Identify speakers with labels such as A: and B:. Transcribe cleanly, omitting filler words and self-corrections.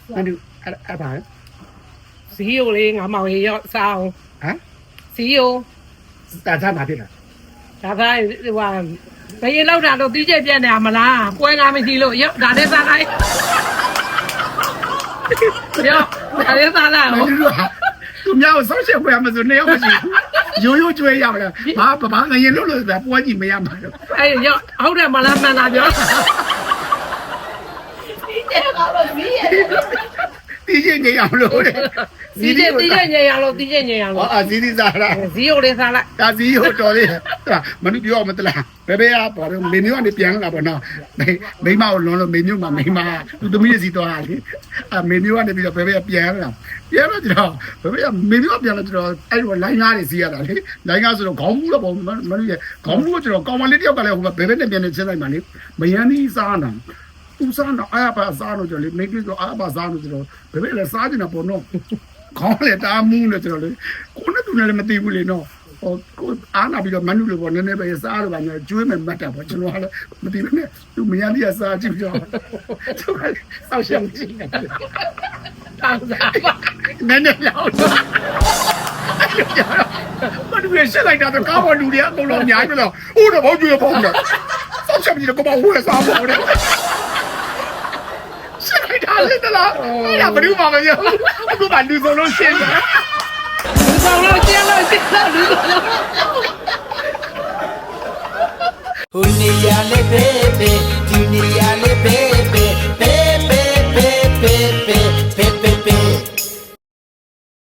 A: မနူအဲ့ပါ
B: ဇီယိုလေးငါမောင်ရေရောက်စားအောင်
A: ဟမ်
B: ဇီယို
A: တာသားမှာဖြစ်တာ
B: ဒါကဟိုဘယ်လောက်တာတော့တီးကျက်ပြက်နေမလားပွဲကားမရှိလို့ရောက်ဒါနဲ့စားလိုက်ရောက်ဒါနဲ့စားလိုက်
A: မနူသူများကိုဆောက်ချက်ပွဲမှာဆိုနေရောက်မရှိရိုးရိုးကျွေးရမလားဘာငရင်လို့ပဲပွဲကြည့်မရမှာတော့
B: အဲ့ရောက်ဟုတ်တယ်မလားမှန်တာပြော
C: ဒီကျကတော့မီးရဲ့
A: တီးချင်းနေအောင်လို့တဲ့
B: တီးကျက်ညင်ရလို့တီးကျက်ညင်ရလို့
A: ဇီးစားလား
B: ဇီယိုလေးစားလိုက်
A: ဒါဇီယိုတော်လေးမနူပြောမတလားဘယ်ဘဲကပေါ်တော့မေမျိုးကနေပြန်လာပေါ့နော်မိမကိုလုံးလို့မေမျိုးမှာမိမသူသမီးစီသွားလေမေမျိုးကနေပြီးတော့ဘယ်ဘဲပြန်လာပြန်တော့ကျွန်တော်ဘယ်ဘဲမေမျိုးပြန်လာကျွန်တော်အဲ့လိုလိုင်းကားတွေစီးရတာလေလိုင်းကားဆိုတော့ခေါင်းမူးတော့ပေါ့မနူရဲ့ခေါင်းမူးကိုကျွန်တော်ကောင်မလေးတယောက်ကလည်းဟိုဘယ်ဘဲနဲ့ပြန်နေချင်းလိုက်မှလေမယန်းကြီးစားတာသူစားတော့အားပါစားလို့ကျွန်တော်လေမိကိတော့အားပါစားလို့ကျွန်တော်ဘယ်ဘဲလည်းစားနေတာပေါ့နော်ခေါင်းလေတားမူးလို့ကျွန်တော်လေကိုနဲ့သူနဲ့လည်းမသိဘူးလေနော်ဟိုကိုအားနာပြီးတော့မနုလို့ပေါ့နည်းနည်းပဲစားလို့ပါညာကျွေးမယ်မှတ်တာပေါ့ကျွန်တော်ကလည်းမသိဘူးနဲ့သူမရလေးကစားကြည့်ကြောသူကဆောက်ရှောင်းကြည့်နေတာတောင်းစားနည်းနည်းလောက်မနုရရှက်လိုက်တာတော့ကားပေါ်လူတွေအကုန်လုံးအများကြီးပဲတော့ဟိုတော့ဘောကျွေးပေါ့နော်ဆောက်ရှောင်းကြည့်တော့ကိုမဝဲစားပေါ့လေရှက်လိုက်တာလေတလားအဲ့ဒါဘယ်သူမှမပြောအခုမှလူစုံလုံးရှင်းတယ်
B: လူဆောင်လို့ကျင်းလို့လူဆောင်လို့
C: ဟိုနေရလေဘေဘေဒီနေရလေဘေ